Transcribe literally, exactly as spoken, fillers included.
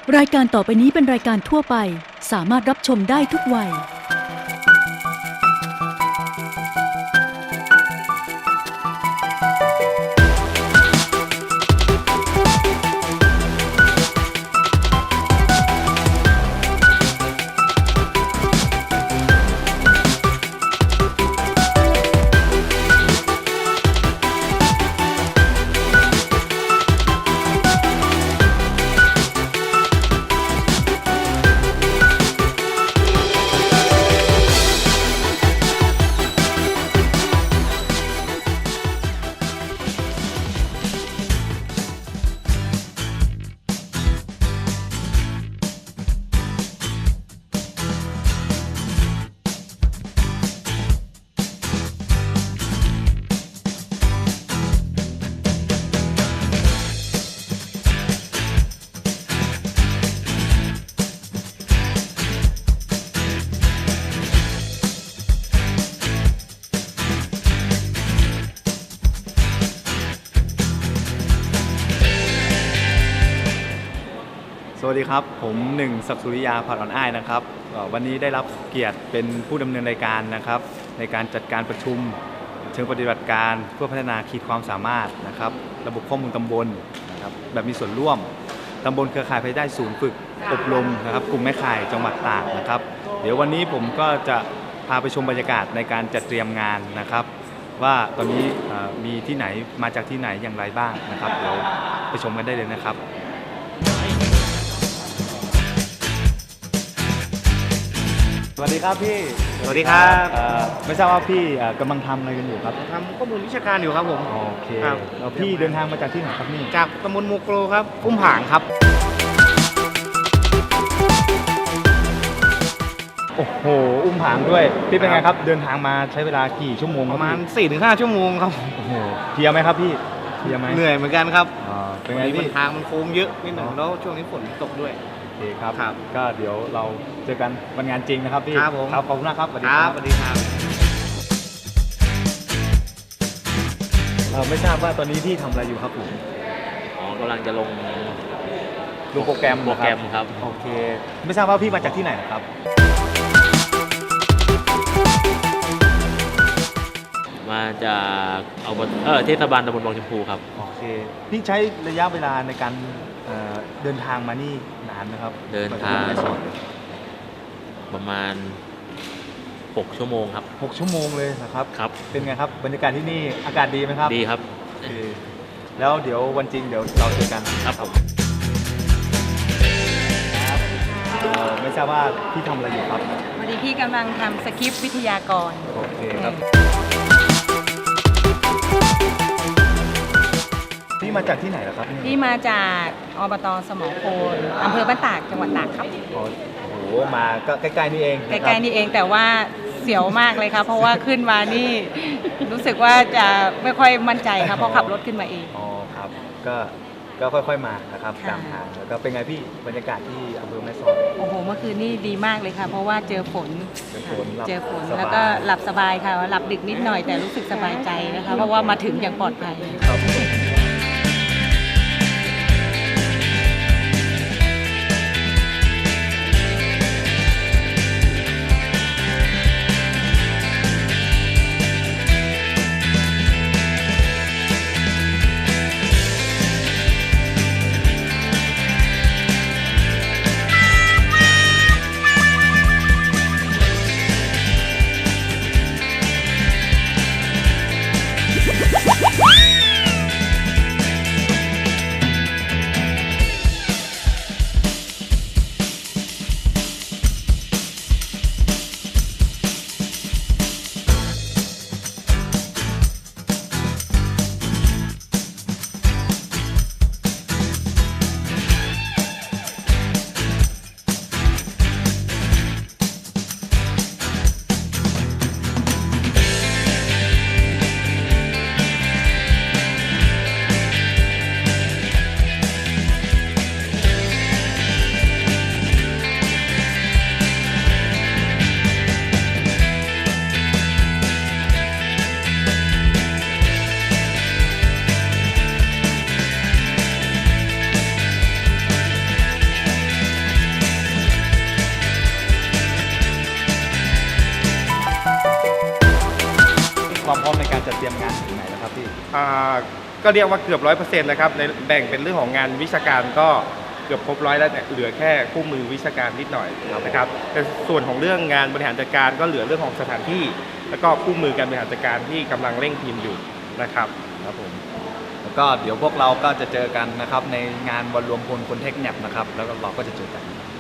รายการต่อไปนี้เป็นรายการทั่วไปสามารถรับชมได้ทุกวัยสวัสดีครับผมหนึ่งศักดิ์สุริยาผัดอ่อนอ้ายนะครับวันนี้ได้รับเกียรติเป็นผู้ดำเนินรายการนะครับในการจัดการประชุมเชิงปฏิบัติการเพื่อพัฒนาขีดความสามารถนะครับระบบข้อมูลตำบลนะครับแบบมีส่วนร่วมตำบลเครือข่ายภายใต้ศูนย์ฝึกอบรมนะครับกลุ่มแม่ข่ายจังหวัดตากนะครับเดี๋ยววันนี้ผมก็จะพาไปชมบรรยากาศในการจัดเตรียมงานนะครับว่าตอนนี้มีที่ไหนมาจากที่ไหนอย่างไรบ้างนะครับเดี๋ยวไปชมกันได้เลยนะครับสวัสดีครับพี่สวัสดีครับไม่ทราบว่าพี่กำลังทำอะไรกันอยู่ครับทำข้อมูลวิชาการอยู่ครับผมโอเคแล้วพี่เดินทางมาจากที่ไหนครับนี่จากตำบลโมโกรครับอุ้มผางครับโอ้โหอุ้มผางด้วยพี่เป็นไงครับเดินทางมาใช้เวลากี่ชั่วโมงประมาณ สี่ถึงห้า ชั่วโมงครับโอ้โหเพลียไหมครับพี่เพลียไหมเหนื่อยเหมือนกันครับเป็นไงพี่ทางมันโค้งเยอะนิดหนึ่งแล้วช่วงนี้ฝนตกด้วยโอเคครับก็เดี๋ยวเราเจอกันวันงานจริงนะครับพี่ครับผมขอบคุณนะครับสวัสดีครับสวัสดีครับเราไม่ทราบว่าตอนนี้พี่ทำอะไรอยู่ครับผมอ๋อกำลังจะลงลงโปรแกรมโปรแกรมครับโอเคไม่ทราบว่าพี่มาจากที่ไหนนะครับมาจากเอาเออเทศบาลตำบลบางชมพูครับโอเคพี่ใช้ระยะเวลาในการเดินทางมานี่นานนะครับเดินทางประมาณหกชั่วโมงครับหกชั่วโมงเลยนะครับครับเป็นไงครับบรรยากาศที่นี่อากาศดีไหมครับดีครับแล้วเดี๋ยววันจริงเดี๋ยวเราเจอกันครับผมไม่ทราบว่าพี่ทำอะไรอยู่ครับวันนี้พี่กำลังทำสคริปต์วิทยากรโอเคครับพี่มาจากที่ไหนล่ะครับพี่มาจากอบต.สมอโคนอำเภอบ้านตากจังหวัดตากครับโอ้โหมาก็ใกล้ๆนี่เองใกล้ๆนี่เองแต่ว่าเสียวมากเลยครับเพราะว่าขึ้นมานี่รู้สึกว่าจะไม่ค่อยมั่นใจครับเพราะขับรถขึ้นมาเองอ๋อครับก็ก็ค่อยๆมานะครับตามทางแล้วก็เป็นไงพี่บรรยากาศที่อำเภอแม่สอดโอ้โหเมื่อคืนนี่ดีมากเลยค่ะเพราะว่าเจอฝนเจอฝนเจอฝนแล้วก็หลับสบายค่ะหลับดึกนิดหน่อยแต่รู้สึกสบายใจนะคะเพราะว่ามาถึงอย่างปลอดภัยครับความพร้อมในการจัดเตรียมงานถึงไหนแล้วครับพี่อ่าก็เรียกว่าเกือบร้อยเปอร์เซ็นต์แล้วครับในแบ่งเป็นเรื่องของงานวิชาการก็เกือบครบร้อยแล้วแต่เหลือแค่คู่มือวิชาการนิดหน่อยนะครับแต่ส่วนของเรื่องงานบริหารจัดการก็เหลือเรื่องของสถานที่ แล้วก็คู่มือการบริหารจัดการที่กำลังเร่งทีมอยู่นะครับครับผมแล้วก็เดี๋ยวพวกเราก็จะเจอกันนะครับในงานวันรวมพลคนเทคแนปนะครับแล้วก็เราก็จะเจอกัน